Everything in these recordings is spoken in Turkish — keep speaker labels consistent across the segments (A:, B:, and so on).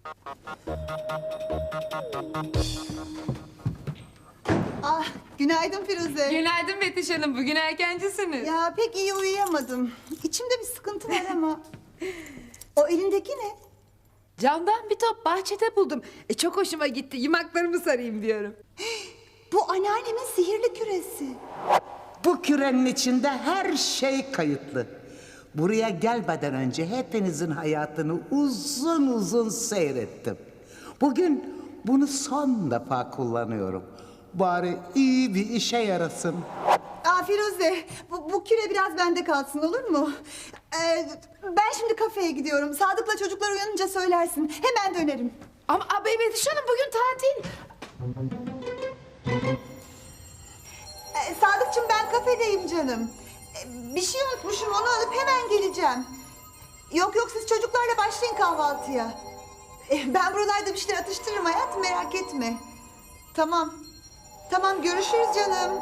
A: Ah, günaydın Firuze.
B: Günaydın Betüş Hanım. Bugün erkencisiniz.
A: Ya pek iyi uyuyamadım. İçimde bir sıkıntı var ama. O elindeki ne?
B: Camdan bir top bahçede buldum. Çok hoşuma gitti. Yumaklarımı sarayım diyorum.
A: Bu anneannemin sihirli küresi.
C: Bu kürenin içinde her şey kayıtlı. Buraya gelmeden önce hepinizin hayatını uzun uzun seyrettim. Bugün bunu son defa kullanıyorum. Bari iyi bir işe yarasın.
A: Aa Firuze, bu küre biraz bende kalsın olur mu? Ben şimdi kafeye gidiyorum. Sadık'la çocuklar uyanınca söylersin. Hemen dönerim.
B: Ama Betüş Hanım bugün tatil.
A: Sadıkçım ben kafedeyim canım. Bir şey unutmuşum onu alıp hemen geleceğim. Yok siz çocuklarla başlayın kahvaltıya. Ben buralarda bir şeyler atıştırırım hayatım merak etme. Tamam. Tamam görüşürüz canım.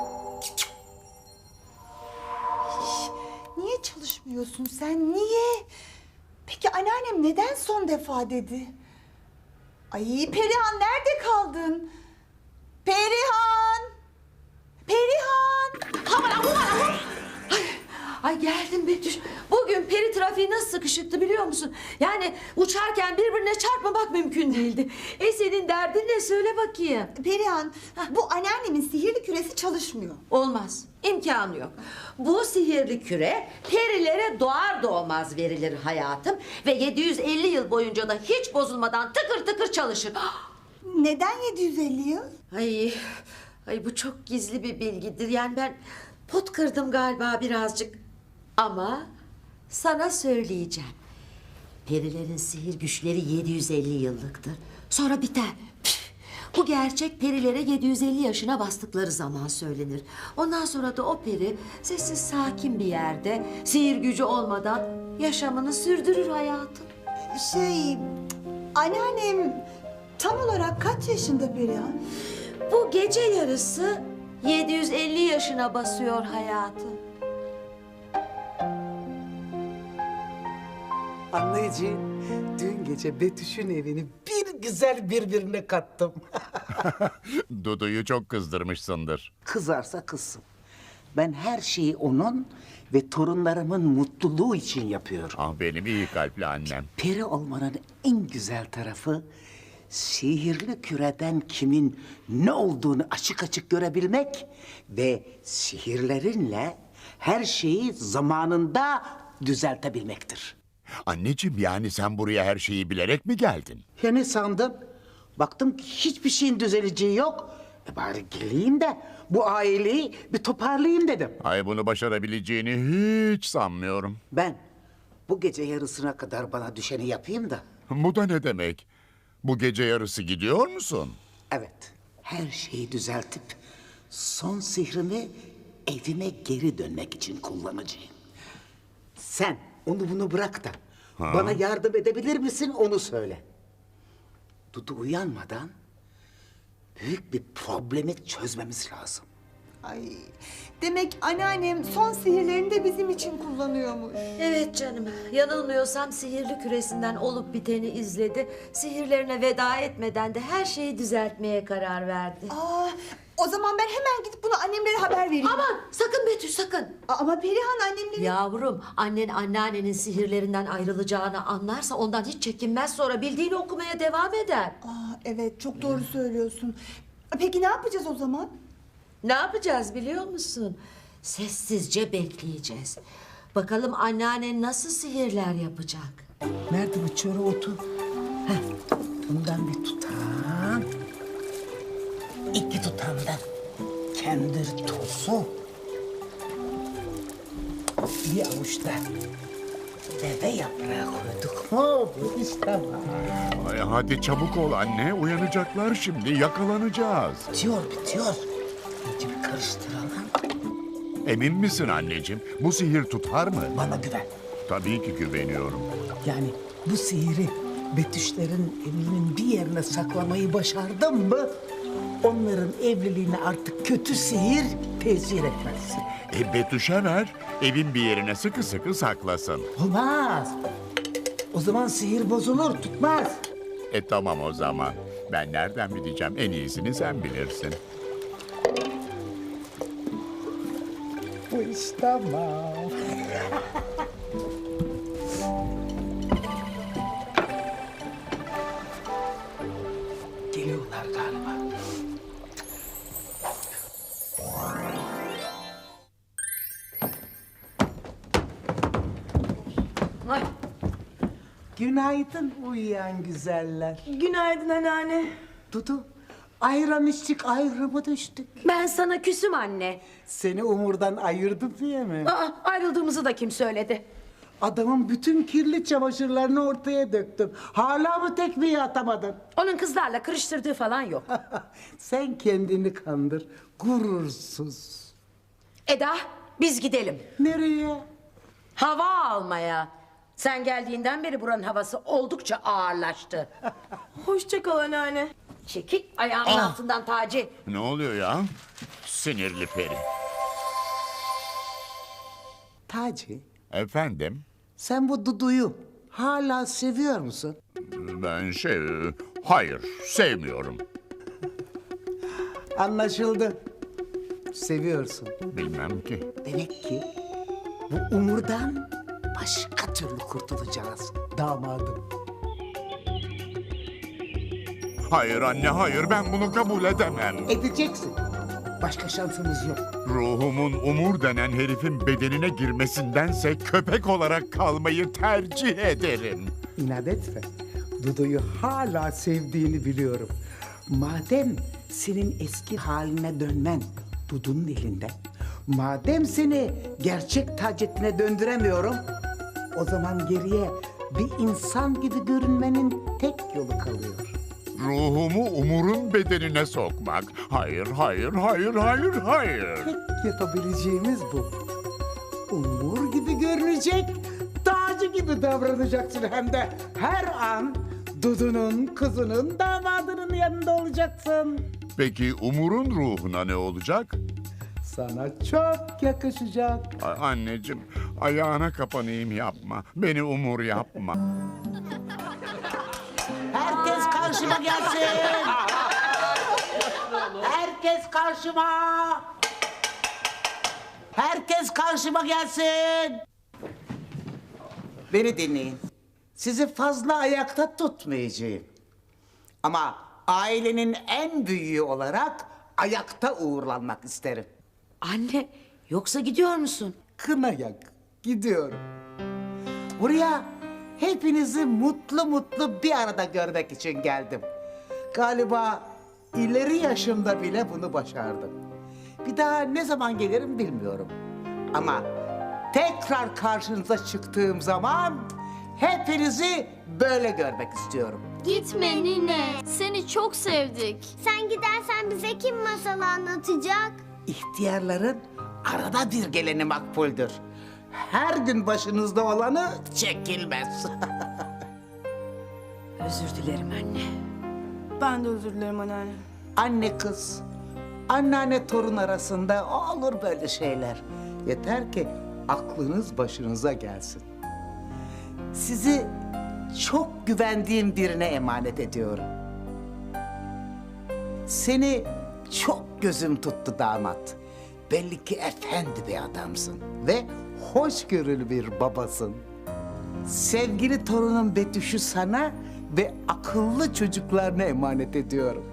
A: Niye çalışmıyorsun sen? Niye? Peki anneannem neden son defa dedi? Ay Perihan nerede kaldın? Perihan! Perihan!
D: Ay geldim Betüş. Bugün peri trafiği nasıl sıkışıktı biliyor musun? Yani uçarken birbirine çarpmamak mümkün değildi. Senin derdin ne söyle bakayım.
A: Perihan, bu anneannemin sihirli küresi çalışmıyor.
D: Olmaz. İmkanı yok. Bu sihirli küre perilere doğar doğmaz verilir hayatım. Ve 750 yıl boyunca da hiç bozulmadan tıkır tıkır çalışır.
A: Neden 750 yıl?
D: Ay bu çok gizli bir bilgidir. Yani ben pot kırdım galiba birazcık. Ama sana söyleyeceğim. Perilerin sihir güçleri 750 yıllıktır. Sonra biter. Bu gerçek perilere 750 yaşına bastıkları zaman söylenir. Ondan sonra da o peri sessiz sakin bir yerde sihir gücü olmadan yaşamını sürdürür hayatım.
A: Anneannem tam olarak kaç yaşında Perihan?
D: Bu gece yarısı 750 yaşına basıyor hayatım.
C: Anneciğim, dün gece Betüş'ün evini bir güzel birbirine kattım.
E: Dudu'yu çok kızdırmışsındır.
C: Kızarsa kızsın. Ben her şeyi onun ve torunlarımın mutluluğu için yapıyorum.
E: Ah benim iyi kalpli annem.
C: Peri olmanın en güzel tarafı sihirli küreden kimin ne olduğunu açık açık görebilmek ve sihirlerinle her şeyi zamanında düzeltebilmektir.
E: Anneciğim yani sen buraya her şeyi bilerek mi geldin?
C: Ya ne sandın? Baktım ki hiçbir şeyin düzeleceği yok. Bari geleyim de bu aileyi bir toparlayayım dedim.
E: Ay bunu başarabileceğini hiç sanmıyorum.
C: Ben bu gece yarısına kadar bana düşeni yapayım da.
E: Bu da ne demek? Bu gece yarısı gidiyor musun?
C: Evet, her şeyi düzeltip son sihrimi evime geri dönmek için kullanacağım. Sen onu bunu bırak da bana yardım edebilir misin onu söyle. Dudu uyanmadan büyük bir problemi çözmemiz lazım.
A: Ay, demek anneannem son sihirlerini de bizim için kullanıyormuş.
D: Evet canım, yanılmıyorsam sihirli küresinden olup biteni izledi. Sihirlerine veda etmeden de her şeyi düzeltmeye karar verdi.
A: O zaman ben hemen gidip bunu annemlere haber vereyim.
D: Aman sakın Betüş sakın.
A: Ama Perihan annemleri...
D: Yavrum annen anneannenin sihirlerinden ayrılacağını anlarsa ondan hiç çekinmez, sonra bildiğini okumaya devam eder.
A: Evet, çok doğru söylüyorsun. Peki ne yapacağız o zaman?
D: Ne yapacağız biliyor musun? Sessizce bekleyeceğiz. Bakalım anneannen nasıl sihirler yapacak.
C: Nerede bu çöre otu? Heh, bundan bir tutam. 2 tutam da kendir tozu. Bir avuç da deve yaprağı koyduk mu bu iş tamam.
E: Ay hadi çabuk ol anne, uyanacaklar şimdi, yakalanacağız.
C: Bitiyor. İyice bir karıştıralım.
E: Emin misin anneciğim? Bu sihir tutar mı?
C: Bana güven.
E: Tabii ki güveniyorum.
C: Yani bu sihiri Betüşlerin evinin bir yerine saklamayı başardım mı... ...onların evliliğine artık kötü sihir tesir etmez.
E: Betüş'e ver, evin bir yerine sıkı sıkı saklasın.
C: Olmaz. O zaman sihir bozulur, tutmaz.
E: Tamam o zaman. Ben nereden bileceğim? En iyisini sen bilirsin.
C: Bu iş tamam. Geliyorlar galiba.
F: Ay,
C: Günaydın uyuyan güzeller.
F: günaydın anneanne.
C: Dudu, ayran içtik, ayrımı düştük.
F: Ben sana küsüm anne.
C: Seni Umur'dan ayırdım diye mi?
F: Aa, ayrıldığımızı da kim söyledi?
C: Adamın bütün kirli çamaşırlarını ortaya döktüm. Hala mı tekmeyi atamadın?
F: Onun kızlarla kırıştırdığı falan yok.
C: Sen kendini kandır, gurursuz.
F: Eda, biz gidelim.
C: Nereye?
F: Hava almaya. Sen geldiğinden beri buranın havası oldukça ağırlaştı.
G: Hoşça kal anneanne.
F: Çekil ayağımın altından Taci.
E: Ne oluyor ya? Sinirli peri.
C: Taci,
E: Efendim?
C: sen bu Dudu'yu hala seviyor musun?
E: Ben hayır, sevmiyorum.
C: Anlaşıldı. Seviyorsun.
E: Bilmem ki.
C: Demek ki bu Umur'dan başka türlü kurtulacağız damadım.
E: Hayır anne, hayır. Ben bunu kabul edemem.
C: Edeceksin. Başka şansımız yok.
E: Ruhumun Umur denen herifin bedenine girmesindense köpek olarak kalmayı tercih ederim.
C: İnat etme. Dudu'yu hala sevdiğini biliyorum. Madem senin eski haline dönmen Dudu'nun elinde, madem seni gerçek Taceddin'e döndüremiyorum, o zaman geriye bir insan gibi görünmenin tek yolu kalıyor.
E: Ruhumu Umur'un bedenine sokmak. Hayır, hayır, hayır, hayır, hayır.
C: Tek yapabileceğimiz bu. Umur gibi görünecek, tacı gibi davranacaksın hem de her an Dudu'nun, kızının, damadının yanında olacaksın.
E: Peki Umur'un ruhuna ne olacak?
C: Sana çok yakışacak.
E: Anneciğim, ayağına kapanayım, yapma. Beni Umur yapma.
C: Herkes karşıma gelsin. Herkes karşıma. Herkes karşıma gelsin. Beni dinleyin. Sizi fazla ayakta tutmayacağım. Ama ailenin en büyüğü olarak ayakta uğurlanmak isterim.
F: Anne, yoksa gidiyor musun?
C: Kına yak, gidiyorum. Buraya hepinizi mutlu mutlu bir arada görmek için geldim. Galiba ileri yaşımda bile bunu başardım. Bir daha ne zaman gelirim bilmiyorum. Ama tekrar karşınıza çıktığım zaman hepinizi böyle görmek istiyorum.
H: Gitme nine. Seni çok sevdik. Sen gidersen bize kim masal anlatacak?
C: İhtiyarların arada bir geleni makbuldür. Her gün başınızda olanı çekilmez.
F: Özür dilerim anne.
G: Ben de özür dilerim anneanne.
C: Anne kız, anneanne torun arasında olur böyle şeyler. Yeter ki aklınız başınıza gelsin. Sizi çok güvendiğim birine emanet ediyorum. Seni çok gözüm tuttu damat. Belli ki efendi bir adamsın ve hoşgörülü bir babasın. Sevgili torunum Betüş'ü sana ve akıllı çocuklarına emanet ediyorum.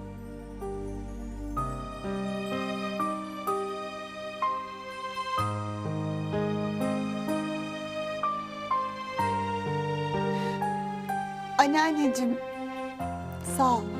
A: Anneanneciğim, sağ ol.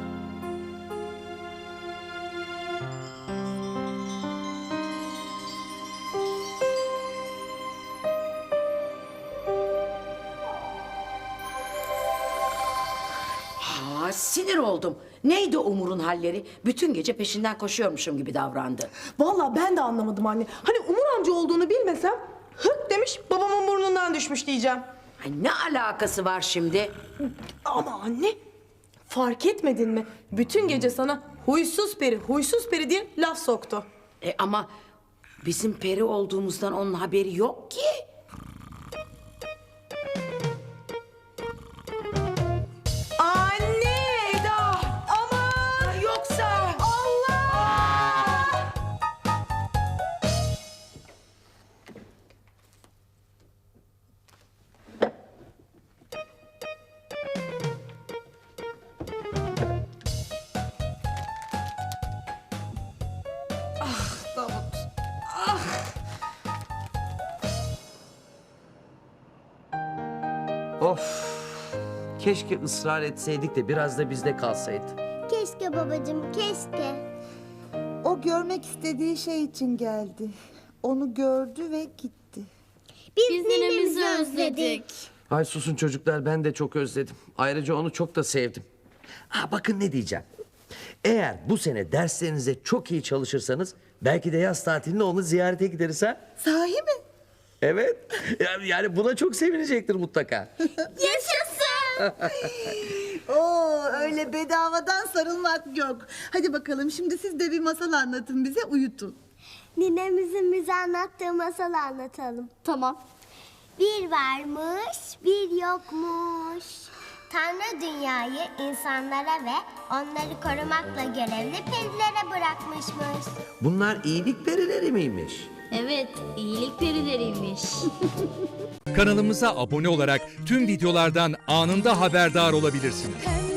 F: Aa, sinir oldum. Neydi Umur'un halleri? Bütün gece peşinden koşuyormuşum gibi davrandı.
G: Vallahi ben de anlamadım anne. Hani Umur amca olduğunu bilmesem hık demiş babamın burnundan düşmüş diyeceğim.
F: Ay, ne alakası var şimdi?
G: Ama anne fark etmedin mi? Bütün gece sana huysuz peri diye laf soktu.
F: Ama bizim peri olduğumuzdan onun haberi yok ki.
G: Anne!
I: Keşke ısrar etseydik de biraz da bizde kalsaydı.
H: Keşke babacığım, keşke.
A: O görmek istediği şey için geldi. Onu gördü ve gitti.
H: Biz ninemizi özledik.
I: Ay susun çocuklar, ben de çok özledim. Ayrıca onu çok da sevdim. Ha bakın ne diyeceğim. Eğer bu sene derslerinize çok iyi çalışırsanız belki de yaz tatilinde onu ziyarete gideriz ha.
A: Sahi mi?
I: Evet. Yani buna çok sevinecektir mutlaka.
H: Yaşasın.
A: Oo, öyle bedavadan sarılmak yok. Hadi bakalım şimdi siz de bir masal anlatın bize, uyutun.
H: Ninemizin bize anlattığı masalı anlatalım. Tamam. Bir varmış, bir yokmuş. Tanrı dünyayı insanlara ve onları korumakla görevli perilere bırakmışmış.
I: Bunlar iyilik perileri miymiş?
H: Evet, iyilik perileriymiş.
J: Kanalımıza abone olarak tüm videolardan anında haberdar olabilirsiniz.